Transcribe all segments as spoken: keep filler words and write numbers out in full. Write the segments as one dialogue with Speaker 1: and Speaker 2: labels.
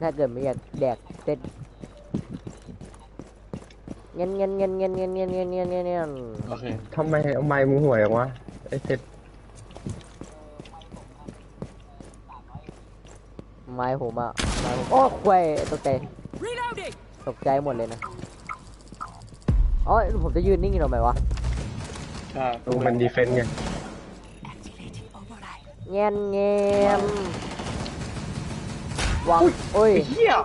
Speaker 1: ถ้าเกิดไม่อยากแดกเต็ดเงี้ยเงี้ยเงี้ยเงี้ยเงี้ยเงี้ยเงี้ยเงี้ยเงี้ยเงี้ย
Speaker 2: โอเค
Speaker 3: ทำไมทำไมมึงห่วยอย่างวะไอ้เซ็ต
Speaker 1: ไม้ผมอ่ะไม้ผมโอ้ควายตกใจตกใจหมดเลยนะอ๋อผมจะยืนนิ่งอยู่ทำไมวะ
Speaker 2: ใช่
Speaker 3: มึงเป็นดีเฟนต์ไง
Speaker 1: เงี้ยเงี้ยวางโอ้ย
Speaker 2: เฮีย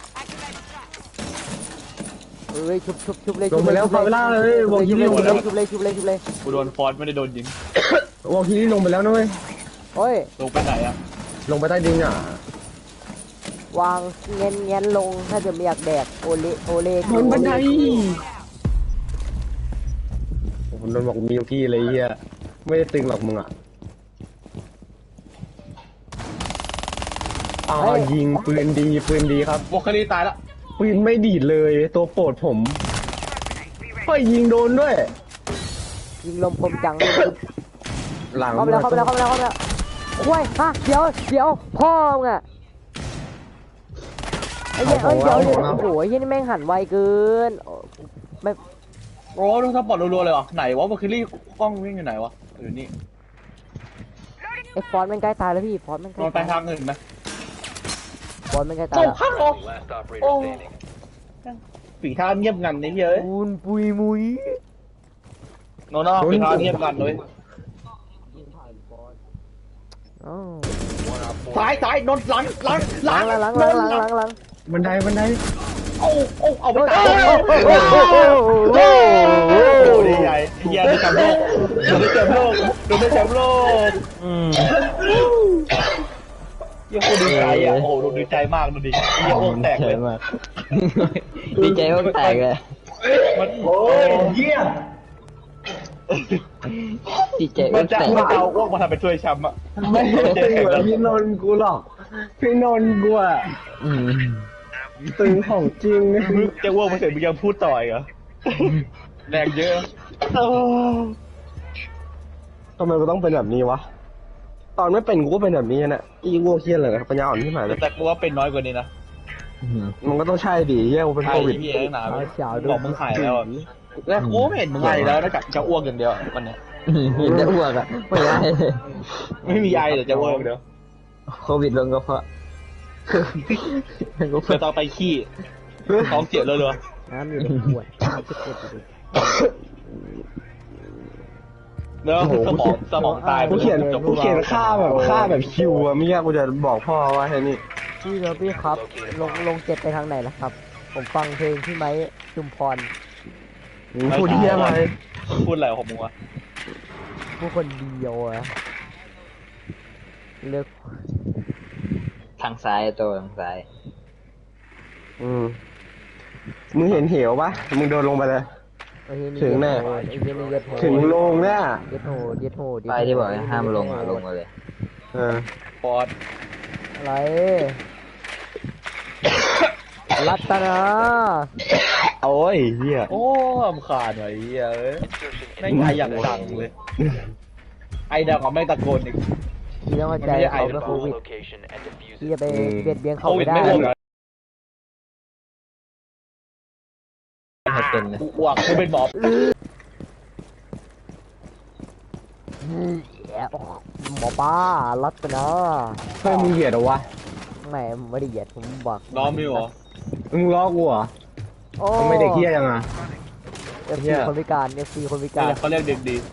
Speaker 1: เอ้ยชุบชุบชุบเลย
Speaker 3: ลงไปแล้วพาเวล่าเลยวอลคิรี่ลงไปแล้ว
Speaker 1: ชุบเลยชุบเลยชุบเลย
Speaker 2: กูโดนฟอนไม่ได้โดนยิง
Speaker 3: วอลคิรี่ลงไปแล้วนะเว้ย
Speaker 1: โอ้ย
Speaker 2: ลงไปไหนอะ
Speaker 3: ลงไปใต้ดินอ่ะ
Speaker 1: วางเงี้ยเงี้ยลงถ้าจะไม่อยากแดกโอเล่โอเล่
Speaker 3: บนบันไดผมโดนบอกมีพี่เลยเฮียไม่ได้ตึงหรอกมึงอ่ะอ้าวยิงปืนดีปืนดีครับ
Speaker 2: วอลคารีตายแล้ว
Speaker 3: ปืนไม่ดีดเลยตัวโปรดผมเฮ้ยยิงโดนด้วย
Speaker 1: ยิงลมคมจัง
Speaker 3: หลัง
Speaker 1: เข้าไปแล้วเข้าไปแล้วเข้าไปแล้วเข้าไปแล้วโอ้ยฮะเดี๋ยวเดี๋ยวพ่อมึงอะไอ้เหี้ยเอ้ยเดี๋ยวเดี๋ยวโอ้โหไอ้เหี้ยนี่แม่งหันไวเกินไม่
Speaker 2: โอ้ดูสปอร์ตรัวๆเลยวะไหนวะวอลคารีกล้องวิ่งอยู่ไหนวะอยู่นี่
Speaker 1: ไอ้ฟอนต์มันใกล้ตายแล้วพี่ฟอนต์มันใกล้
Speaker 2: นอนไปทางอื่นไหม
Speaker 1: ฟอนต์มันใกล้ตายแล้ว
Speaker 2: ข้างออกโอ้ฝีเท้าเงียบงันนี่เยอะ
Speaker 1: ปูนปุยมุย
Speaker 2: โน่นฝีเท้าเงียบงันเลยซ้ายซ้ายนนหลังหลัง
Speaker 1: หลังหลังหลังหลังหลังหลัง
Speaker 3: บันไดบันได
Speaker 2: โอ้โอ้เอาไปตายโอ้โหดีใหญ่เฮียได้แชมป์โลกได้แชมป์โลกได้แชมป์โลกอืมยังคนดีใจอ่ะโอ้ดูดีใจมากดูดิเฮียโอ้แตกเลย
Speaker 4: ดีใจโอ้แตกเลย
Speaker 2: มันโอ้ยเฮีย
Speaker 4: ดีใจ
Speaker 2: มันจะมันจะเอาอ้วกมาทำเป็นถ้วยแชมป์อ่ะ
Speaker 3: ไม่ตึงเหมือนพี่นนท์กูหรอกพี่นนท์กูอ่ะตึงของจริง
Speaker 2: จะอ้วกมาเสร็จมึงยังพูดต่ออีกเหรอแรงเยอะ
Speaker 3: ทำไมกูต้องเป็นแบบนี้วะตอนไม่เป็นกูก็เป็นแบบนี้นะอีวัวเคี้ยนเลยปัญญาอ่อนที่หมายเลย
Speaker 2: แต่กูว่าเป็นน้อยกว่านี้นะ
Speaker 3: มันก็ต้องใช่ดิเฮียกูเป็นโควิด
Speaker 2: พี่เองนะบอกมึงหายแล้วแล้วกูไม่เห็นมึงไอแล้วนะจะอ้วกอย่างเดียววันนี้
Speaker 4: เห็นจะอ้วกอ่ะไม่ได้
Speaker 2: ไม่มีไอแต่จะอ้วกเดียว
Speaker 4: โควิดลงก็เพราะ
Speaker 2: จะต้องไปขี้ท้องเสียเลยเลย
Speaker 1: น้ำอยู่ในขวด
Speaker 2: เนอะสมองสมองตาย
Speaker 3: กูเขียนกูเขียนค่าแบบค่าแบบคิวอะไม่ยากกูจะบอกพ่อว่าแค่นี้
Speaker 1: พี่ครับพี่ครับลงลงเจ็ดไปทางไหนล่ะครับผมฟังเพลงที่ไม้ชุมพร
Speaker 3: พูดเยี่ยมอะไร
Speaker 2: พูดอะไรของมึงวะ
Speaker 1: ผู้คนเดียวอะเลือก
Speaker 4: ทางซ้ายตัวทางซ้าย
Speaker 3: อืมมึงเห็นเหวปะมึงโดนลงไปเลยถึงแน่ถึงลงเนี่ย
Speaker 1: เย็ดโหดเย็ดโหด
Speaker 4: ไปที่บอกห้ามลงอ่ะลงมาเลย
Speaker 3: เออ
Speaker 2: ปอด
Speaker 1: อะไรรัตนา
Speaker 3: โอ้ยเฮีย
Speaker 2: โอ้มขาดหน่อยเฮียเอ้ยไม่ไออย่างดังเลยไอดังเขาไม่ตะโกนอีก
Speaker 1: พี่ต้องเข้าใจเขาเป็นโควิดพี่จะไปเบียดเบียนเขาไม่ได้
Speaker 4: เป็น
Speaker 2: อ้วกคือเป็นหมอ
Speaker 1: หมอป้ารัตนา
Speaker 3: เฮ้ยมึงเหยียดเหรอวะ
Speaker 1: ไม่ไม่ได้เหยียดผมบอก
Speaker 2: ล้อมิวเหรอ
Speaker 3: มึงล้อกูเหรอทำไมเด็กเฮี้ยยังอ่ะ
Speaker 1: เอฟซีคนพิการเอฟซีคนพิการ
Speaker 2: เขาเรียกเด็กดี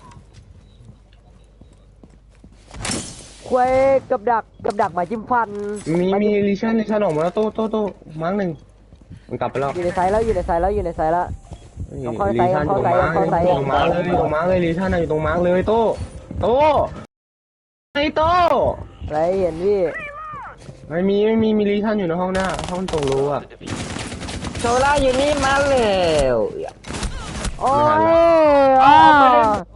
Speaker 1: ควยกับดักกับดักหมาจิ้มฟัน
Speaker 3: มีมีลิชั่นลิชั่นออกมาแล้วโต้โต้โต้มั้งหนึ่งมันกลับไปแล้ว
Speaker 1: อยู่ในไซส์แล้วอยู่ในไซส์แล้วอยู่ในไซส์แล้วต้องเข้าไซส์เข้าไซส์เข้าไซส์
Speaker 3: ตรงมาร์กเลยตรงมาร์กเลยลิชั่นอยู่ตรงมาร์กเลยโต้โต้ไอ้โต้
Speaker 1: อะไรเห็นพี่
Speaker 3: ไม่มีไม่มีมีลิชั่นอยู่ในห้องหน้าห้องตรงรู้อ่ะ
Speaker 4: โซล่าอยู่นี่มาแล้ว
Speaker 1: โอ้ย